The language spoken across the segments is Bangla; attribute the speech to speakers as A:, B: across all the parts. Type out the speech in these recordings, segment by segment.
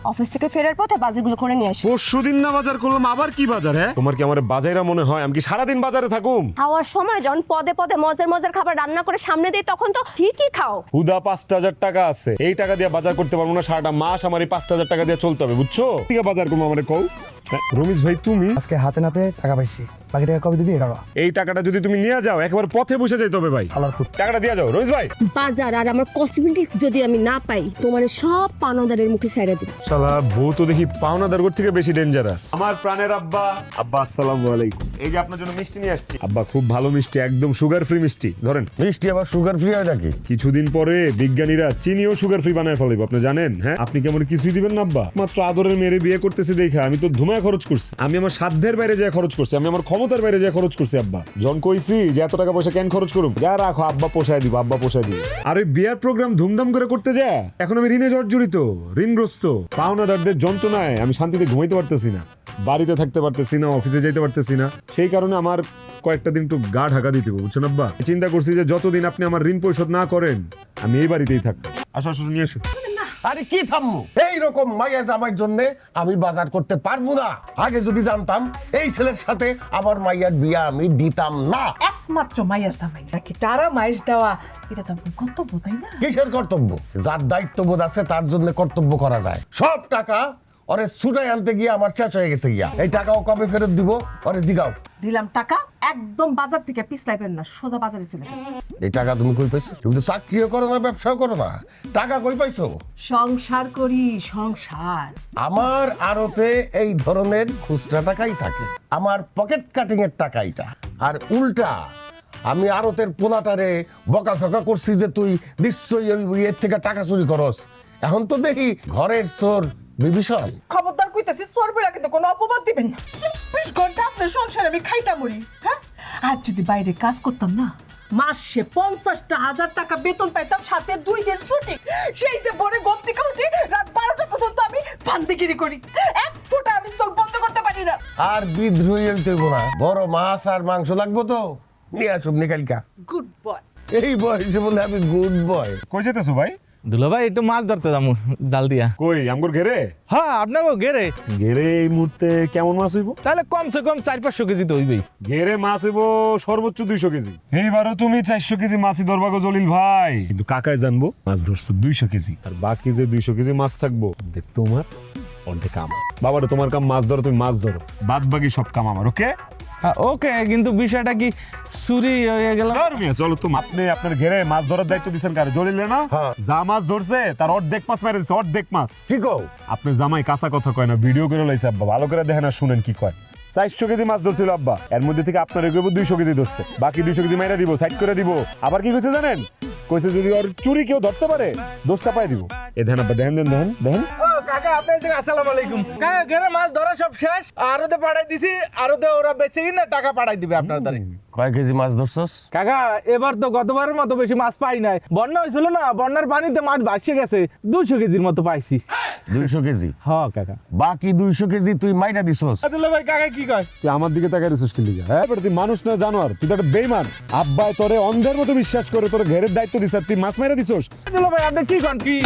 A: অফিস থেকে ফেরার পথে বাজারগুলো করে নিয়ে আসি।
B: পরশুদিন না বাজার করলাম, আবার কি বাজার? হ্যাঁ, তোমার কি আমার বাজাইরা মনে হয়? আমি কি সারাদিন বাজারে থাকুম?
A: খাওয়ার সময় যখন পদে পদে মজার মজার খাবার রান্না করে সামনে দিই তখন তো ঠিকই খাও।
B: হুদা 5,000 টাকা আছে, এই টাকা দিয়ে বাজার করতে পারবো না। সারাটা মাস আমার এই 5,000 টাকা দিয়ে চলতে হবে, বুঝছো? ঠিক আছে, বাজার করবো আমারে কও। হ্যাঁ, রমেশ ভাই তুমি
C: আজকে হাতে নাতে টাকা পাইছি, বাকি টাকা কবে দিবি? এটা
B: এই টাকাটা যদি তুমি নিয়ে যাও, একবার পথে বসে যাইতে হবে ভাই।
C: আলার ফুট
B: টাকাটা দিয়ে যাও রমেশ ভাই।
A: বাজার আর আমার কসমেটিক্স যদি আমি না পাই তোমার সব পানাদারের মুখে ছাইড়া দিব।
B: শালা বউ তো দেখি পাওনাদার থেকে বেশি ডেঞ্জারাস। আমার প্রাণের আব্বা, আব্বা আসসালামু আলাইকুম। এই যে আপনার জন্য মিষ্টি নিয়ে আসছি। আব্বা খুব ভালো মিষ্টি, একদম সুগার ফ্রি মিষ্টি। ধরেন।
D: মিষ্টি আবার সুগার ফ্রি হয় নাকি?
B: কিছুদিন পরে বিজ্ঞানীরা চিনিও সুগার ফ্রি বানায় ফেলাইব, আপনি জানেন? হ্যাঁ, আপনি কেমন কিছুই দিবেন না আব্বা? মাত্র আদরের মেয়েরে বিয়ে করতেছি দেখা আমি তো ধুমায় খরচ করছি। আমি আমার সাধ্যের বাইরে যায় খরচ করছি, আমি আমার ক্ষমতার বাইরে যায় খরচ করছি আব্বা। জন কইছি যে এত টাকা পয়সা কেন খরচ করুম, যা রাখো আব্বা পোষায় দিব, আব্বা পোষায় দিব। আর ওই বিয়ার প্রোগ্রাম ধুমধাম করে করতে যায় এখন আমি ঋণে জর্জরিত, ঋণগ্রস্ত। পাওনাদারদের যন্ত্রণায় আমি শান্তিতে ঘুমাইতে পারতেছি না, বাড়িতে থাকতে পারতেছি না, অফিসে যাইতে পারতেছি না। সেই কারণে আমার কয়েকটা দিন একটু গা ঢাকা দিতে হবে, বুঝছেন আব্বা? চিন্তা করছি যে যতদিন আপনি আমার ঋণ পরিশোধ না করেন আমি এই বাড়িতেই থাকবো। আসো আসো, নিয়ে আসো।
D: আরে কি থামমু? এইরকম মাইয়া জামাইর জন্য আমি বাজার করতে পারবো না। আগে যদি জানতাম এই ছেলের সাথে আমার মাইয়ার বিয়া আমি দিতাম না।
E: একমাত্র মায়ের জামাই নাকি তারা মাইস দেওয়া, এটা তো আপনার কর্তব্য, তাই না?
D: কিসের কর্তব্য? যার দায়িত্ববোধ আছে তার জন্য কর্তব্য করা যায়। সব টাকা ওরে ছুটাই আনতে গিয়ে আমার শেষ হয়ে গেছে গিয়া। এই টাকাও কবে ফেরত দিব ওরে জিগাও।
E: দিলাম টাকা, একদম বাজার থেকে পিছলাইবেন না, সোজা বাজারে চলে যাবেন।
D: এই টাকা তুমি কই পাইছো? তুমি তো চাকরিও করো না, ব্যবসাও করো না, টাকা কই পাইছো?
E: সংসার করি, সংসার।
D: আমার আড়তে এই ধরনের খুচরা টাকাই থাকে, আমার পকেট কাটিং এর টাকা এটা। আর উল্টা আমি আড়তের পোলাটারে বকাঝকা করছি যে তুই নিশ্চয়ই ওই এর থেকে টাকা চুরি করস। এখন তো দেখি ঘরের চোর বিভীষণ।
E: খবরদার কইতাছি, চোর বেলা কিন্তু কোনো অপবাদ দিবেন না। 24 ঘন্টা আপনার সংসারে আমি খাইটা মরি, হ্যাঁ? আর যদি বাইরে কাজ করতাম না, মাসে 50,000 টাকা বেতন পাইতাম, সাথে 2 দিন ছুটি। সেই যে ভোরে ঘুম থেকে উঠি রাত 12টা পর্যন্ত আমি ফান্দিগিরি করি, এক ফোঁটা আমি চোখ বন্ধ করতে পারি না।
D: আর বিদ্রোহী হইব না, বড় মাছ আর মাংস লাগবো তো নিয়ে আসুন নিকালকা।
E: Good boy.
D: এই বয়সে বলে আমি গুড বয়।
B: কই যেতেছো ভাই?
F: দুলা ভাই একটু মাছ ধরতে যাবো জাল দিয়া।
B: কই আমগর ঘেরে?
F: হ্যাঁ, আপনাকে গেরে
B: ঘেরে এই মুহূর্তে কেমন মাছ হইব?
F: তাহলে কমসে কম 400-500 কেজি তো হইবেই।
B: ঘেরে মাছ হইব সর্বোচ্চ 200 কেজি। এইবারও তুমি 400 কেজি মাছই ধরবা গো জলিল ভাই। কিন্তু কাকায় জানবো মাছ ধরছো 200 কেজি, আর বাকি যে 200 কেজি মাছ থাকবো দেখ তোমার, অর্ধেক আমার। বাবারে তোমার কাম মাছ ধরো, তুমি মাছ ধরো, বাদ বাকি সব কাম আমার। ওকে
F: হ্যাঁ ওকে, কিন্তু বিষয়টা কি চুরি হয়ে গেল?
B: চলো তো, আপনি আপনার ঘেরে মাছ ধরার দায়িত্ব দিচ্ছেন কারে? জলিলে না?
D: হ্যাঁ।
B: যা মাছ ধরছে তার অর্ধেক মাছ মেরে দিচ্ছে, অর্ধেক মাছ।
D: কি কও?
B: আপনি জামাই কাঁচা কথা কয় না, ভিডিও করে লাইছে আব্বা, ভালো করে দেখেন আর শুনেন কি কয়। 400 কেজি মাছ ধরছিল আব্বা, এর মধ্যে থেকে আপনার এগোবো 200 কেজি ধরছে, বাকি 200 কেজি মাইরা দিব, সাইড করে দিব। আবার কি কইছে জানেন? কইছে যদি ওর চুরি কেউ ধরতে পারে দোষ চাপাই দিব। এ ধ্যান আব্বা, দেখেন দেখেন দেখেন।
F: কাকা আপনার দিকে আসসালামু আলাইকুম। কাকা ঘেরে মাছ ধরা সব শেষ, আরোতে পাঠাই দিছি, আরোতে ওরা বেঁচে কিনা টাকা পাঠাই দিবে আপনার দ্বারে।
D: কয় কেজি মাছ ধরছস?
F: কাকা এবার তো গতবারের মতো বেশি মাছ পাই নাই, বন্যা হয়েছিল না, বন্যার পানিতে মাছ ভাসিয়ে গেছে, 200 কেজির মতো পাইছি।
D: 200 কেজি?
F: হ্যাঁ কাকা।
D: বাকি 200 কেজি তুই মাইরা দিছস?
F: দুলা ভাই কাকা কি কয়?
B: তুই আমার দিকে তাকাই রেছিস কি লিগা? হ্যাঁ তুই মানুষ না জানোয়ার, তুই তো একটা বেঈমান। আব্বাই তোরে অন্ধের মতো বিশ্বাস করে তোর ঘেরের দায়িত্ব দিছ, তুই মাছ মাইরা দিছস।
F: দুলা ভাই আপনি কি কন? কি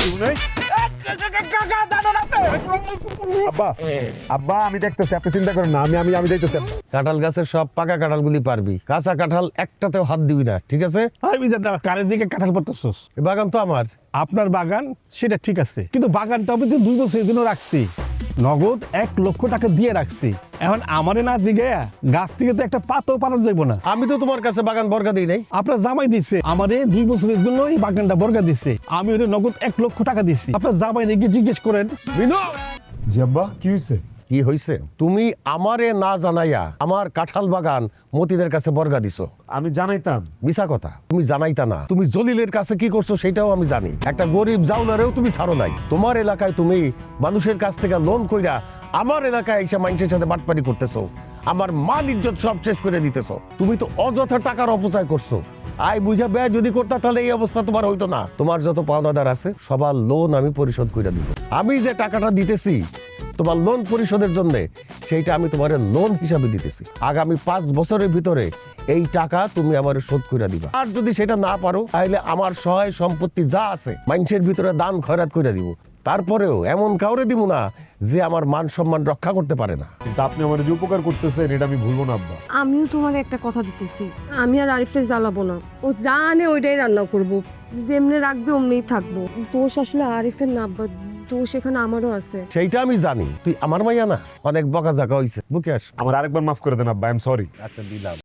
F: কাকা জানো না আপনি?
B: আব্বা আব্বা আমি দেখতেছি, আপনি চিন্তা করেন না, আমি আমি আমি দেখতেছি।
D: কাঁঠাল গাছের সব পাকা কাঁঠালগুলি পারবি, কাঁচা কাঁঠাল একটাতেও হাত দিবি না, ঠিক আছে?
G: আমি জানি কারের দিকে কাঁঠাল পারতেছস।
D: এ বাগান তো আমার।
G: আপনার বাগান সেটা ঠিক আছে, কিন্তু বাগানটা আমি তো 2 বছরের জন্য রাখছি, নগদ 1 লক্ষ টাকা দিয়ে রাখছি। এখন আমারে না জিগায়া গাছ থেকে তো একটা পাতাও পারা যাইব না।
D: আমি তো তোমার কাছে বাগান বর্গা দিই নাই।
G: আপনার জামাই দিচ্ছে আমারে 2 বছরের জন্য এই বাগানটা বর্গা দিচ্ছে, আমি ওরে নগদ 1 লক্ষ টাকা দিচ্ছি। আপনার জামাই নাকি জিজ্ঞেস করেন।
B: জি আব্বা কি হইছে?
D: কি হইছে? তুমি আমারে না জানাইয়া আমার কাঁঠাল বাগান মতিদের কাছে বর্গা দিছো।
B: আমি জানাইতাম।
D: মিছা কথা, তুমি জানাইতা না। তুমি জলিলের কাছে কি করছো সেটাও আমি জানি। একটা গরিব জাউলারেও তুমি ছাড়ো নাই। তোমার এলাকায় তুমি মানুষের কাছ থেকে লোন কইরা আমার এলাকায় এসে মানুষের সাথে বাটপারি করতেছো, আমার মান ইজ্জত সব শেষ করে দিতেছো। তুমি তো অযথা টাকার অপচয় করছো। আয় বুঝা ব্যয় যদি করতা তাহলে এই অবস্থা তোমার হইতো না। তোমার যত পাওনাদার আছে সবার লোন আমি পরিশোধ করে দিব। আমি যে টাকাটা দিতেছি তোমার লোন পরিশোধের জন্য, সেইটা আমি তোমার লোন হিসাবে দিতেছি। আগামী 5 বছরের ভিতরে এই টাকা তুমি আমার শোধ করে দিবা। আর যদি সেটা না পারো তাহলে আমার সহায় সম্পত্তি যা আছে মানুষের ভিতরে দান খয়রাত করে দিব। তারপরেও এমন কাউরে দিব না যে আমার মান সম্মান রক্ষা করতে পারে না।
B: কিন্তু আপনি আমার যে উপকার করতেছেন এটা আমি ভুলবো না আব্বা।
A: আমিও তোমার একটা কথা দিতেছি, আমি আর আরিফরে জ্বালাবো না। ও জানে ওইটাই রান্না করব, যেমনে রাখবে অমনিই থাকবো। দোষ আসলে আরিফের না আব্বা, দোষ এখানে আমারও আছে।
D: সেইটা আমি জানি, তুই আমার মাইয়া না, অনেক বকাঝাকা হইছে, বুকে আস।
B: আমার আরেকবার মাফ করে দেন আব্বা, আই এম সরি।
D: আচ্ছা দিলাম।